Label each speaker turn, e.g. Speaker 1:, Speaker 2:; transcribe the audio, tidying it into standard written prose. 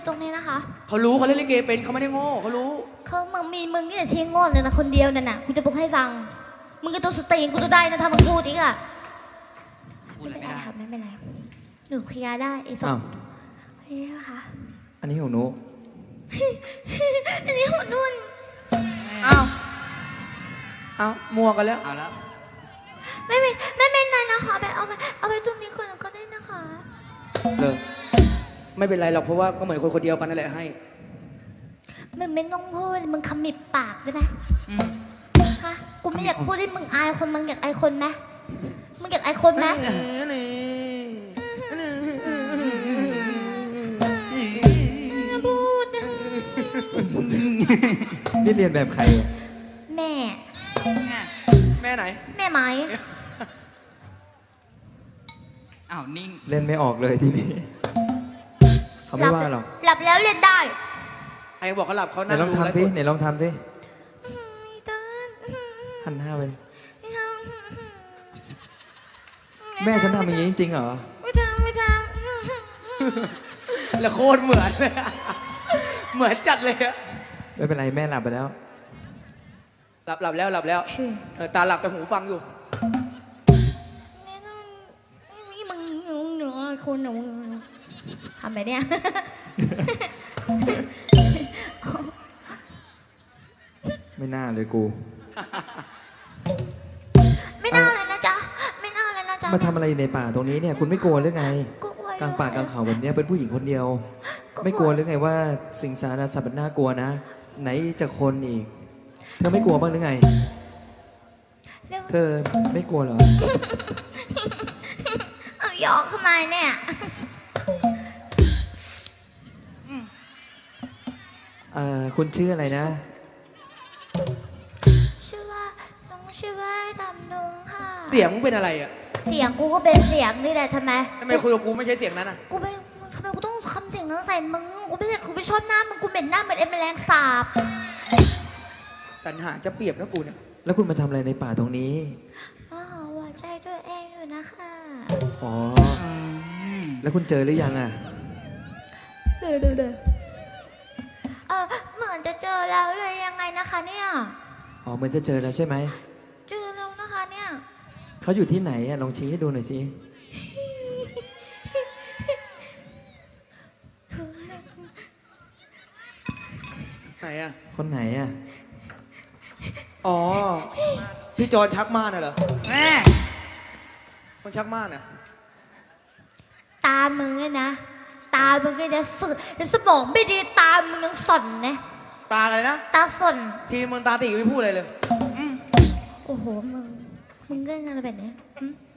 Speaker 1: ตรงนี้นะคะ
Speaker 2: เขารู้เขาเล่นลิเกเป็นเขาไม่ได้โง่เขารู้
Speaker 1: เขามึงมีมึงนี่แหละที่โง่เลยนะคนเดียวนั่นน่ะกูจะบอกให้ฟังมึงก็ต้องสติกูจะได้นะถ้ามึงพูดอีกอะไม่เป็นไรครับไม่เป็นไรหนูเคลียร์ได้ไอ้สอ
Speaker 3: อ้าง ว
Speaker 1: เฮ้ยค่ะ
Speaker 3: อันนี้ของหนู
Speaker 1: อันนี้ของนุ่น
Speaker 2: อ้าวอ้าวมัวกันแล้ว
Speaker 4: เอาแล้ว
Speaker 1: ไม่เป็นไรนะคะเอาไปตรงนี้ก่อนก็ได้นะคะ
Speaker 2: ไม่เป็นไรหรอกเพราะว่าก็เหมือนคนคนเดียวกันนั่นแหละให้
Speaker 1: มึงไม่ต้องพูดมึงคำมิบปากได้ไหมฮะกูไม่อยากพูดให้มึงอายคนมึงอยากอายคนไหมมึงอยากอายคนไหมพูด
Speaker 3: นี่เรียนแบบใครอะ
Speaker 1: แม่
Speaker 2: แม่ไหน
Speaker 1: แม่ไหม
Speaker 4: อ้าวนิ่ง
Speaker 3: เล่นไม่ออกเลยทีนี้ เขาไม่ว่าหรอก
Speaker 1: หลับแล้วเรียนได้
Speaker 2: ใครบอกเขาหลับเขา
Speaker 3: ไหน
Speaker 2: นั่ง
Speaker 3: ลอง
Speaker 2: ดู
Speaker 3: ทำสิ
Speaker 2: แล้ว
Speaker 3: ไหนลองทำสิ
Speaker 1: เติ้ล
Speaker 3: หันหน้าไปแม่ฉันทำอย่างนี้จริงๆเหรอ
Speaker 1: ไม่ทำ
Speaker 2: แล้วโคตรเหมือนเลยอะเหมือนจัดเลยอะ
Speaker 3: ไม่เป็นไรแม่หลับไปแล้ว
Speaker 2: หลับแล้วตาหลับแต่หูฟังอยู่
Speaker 1: นี่มึงหนูคนหนูทำไปเนี่ย
Speaker 3: ไม่น่าเลยกู
Speaker 1: ไม่น่าเลยนะจ๊ะไม่น่าเลยนะจ๊ะ
Speaker 3: มาทำอะไรอยู่ในป่าตรงนี้เนี่ย คุณไม่กลัวหรือไง
Speaker 1: ก็ไว้
Speaker 3: กลางป่ากลางเขาแบบเนี้ยเป็นผู้หญิงคนเดียว ไม่กลัวหรือไงว่าสิงสารสัตว์มันน่ากลัวนะ ไหนจะคนอีก เธอไม่กลัวบ้างหรือไง เธอไม่กลัวเหรอ
Speaker 1: เอาหยอกทำไมเนี่ย
Speaker 3: คุณชื่ออะไรนะ
Speaker 1: ชื่อว่าน้องชื่อว่าดำดงค่ะ
Speaker 2: เสียงมึงเป็นอะไรอะ
Speaker 1: เสียงกูก็เป็นเสียงนี่แหละทำไม
Speaker 2: ทำไมคุยกับกูไม่ใช่เสียงนั้นอะ
Speaker 1: กูไม่ทำไมกูต้องทำเสียงนั้นใส่มึงกูไม่ชอบหน้ามึงกูเหม็นหน้าเหมือนแมลงสาบ
Speaker 2: สรรหาจะเปรียบนะกูเนี่ย
Speaker 3: แล้วคุณมาทำอะไรในป่าตรงนี้
Speaker 1: อ๋อหัวใจตัวเองอยู่นะคะ
Speaker 3: อ๋อ แล้วคุณเจอหรือยังอ่ะ
Speaker 1: เดี๋ยวเหมือนจะเจอแล้วเลยยังไงนะคะเนี่ย
Speaker 3: อ๋อเหมือนจะเจอแล้วใช่ไหม
Speaker 1: เจอแล้วนะคะเนี่ย
Speaker 3: เขาอยู่ที่ไหนอ่ะ ลองชี้ให้ดูหน่อยสิ
Speaker 2: ไหนอะ
Speaker 3: คนไหนอ่ะ
Speaker 2: อ๋อพี่จอนชักม่านน่ะเหรอ
Speaker 4: แม่
Speaker 2: คนชักม่านอะ
Speaker 1: ตามึงเนี่ยนะตามึงก็จะสึกสมองไม่ดีตามึงยังสั่นนะ
Speaker 2: ตาอะไรนะ
Speaker 1: ตาสั่น
Speaker 2: ทีมึงตาตีไม่พูดอะไรเลย
Speaker 1: โอ้โหมึงก็งานอะไรแบบนี้หึ